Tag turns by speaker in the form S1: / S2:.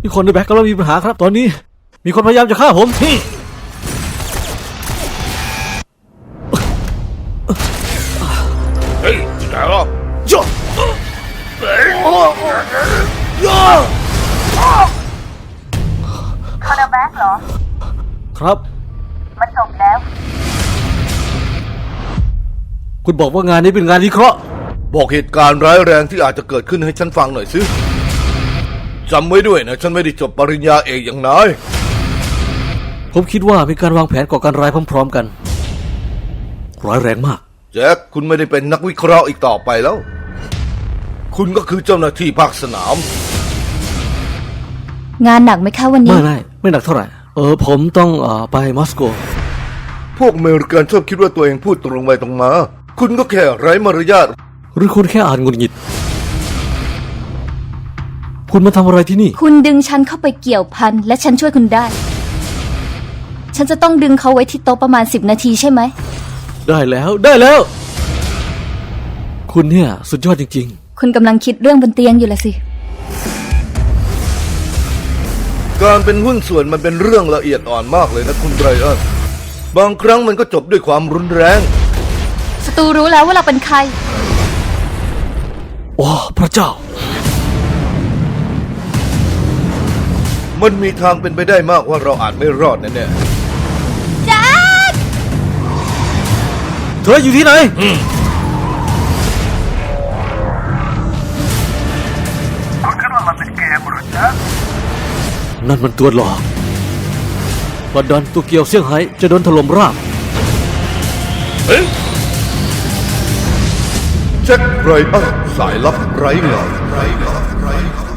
S1: มีคนในแบ็คกำลังมีปัญหาครับตอนนี้มีคนพยายามจะฆ่าผม
S2: เฮ้ยที่ไหนล่ะ
S1: ย่าย่า
S3: คอนเนอร์แบ็กเหรอ
S1: ครับ
S3: มันจบแล้ว
S1: คุณบอกว่างานนี้เป็นงานวิเคราะห์
S2: บอกเหตุการณ์ร้ายแรงที่อาจจะเกิดขึ้นให้ฉันฟังหน่อยสิจำไว้ด้วยนะฉันไม่ได้จบปริญญาเอกอย่างนาย
S1: ผมคิดว่ามีการวางแผนก่อการร้ายพร้อมๆกันร้ายแรงมาก
S2: แจ็คคุณไม่ได้เป็นนักวิเคราะห์อีกต่อไปแล้วคุณก็คือเจ้าหน้าที่ภาคสนาม
S3: งานหนักไหมคะวันนี้
S1: ไม่หนักเท่าไหร่ผมต้องไปมอสโก
S2: พวกอเมริกันชอบคิดว่าตัวเองพูดตรงไปตรงมาคุณก็แค่ไร้มารยาท
S1: หรือคุณแค่อ่านหงุดหงิดคุณมาทำอะไรที่นี่
S3: คุณดึงฉันเข้าไปเกี่ยวพันและฉันช่วยคุณได้ฉันจะต้องดึงเขาไว้ที่โต๊ะประมาณ10 นาทีใช่ไหม
S1: ได้แล้วคุณเนี่ยสุดยอดจริง
S3: ๆคุณกำลังคิดเรื่องบนเตียงอยู่ละสิ
S2: การเป็นหุ้นส่วนมันเป็นเรื่องละเอียดอ่อนมากเลยนะคุณไบรอันบางครั้งมันก็จบด้วยความรุนแรง
S3: ศัตรูรู้แล้วว่าเราเป็นใคร
S1: โอ้พระเจ้า
S2: มันมีทางเป็นไปได้มากว่าเราอาจไม่รอดแน่
S3: ๆแจ็ค
S1: เธออยู่ที่ไหน
S2: คุณคิดว่ามันเป็นเกมหรือจ๊ะ
S1: นั่นมันตัวหลอกลอนดอนโตเกียวเซี่ยงไฮ้จะโดนถล่มราบ
S2: แจ็คไรอันสายลับไร้เงา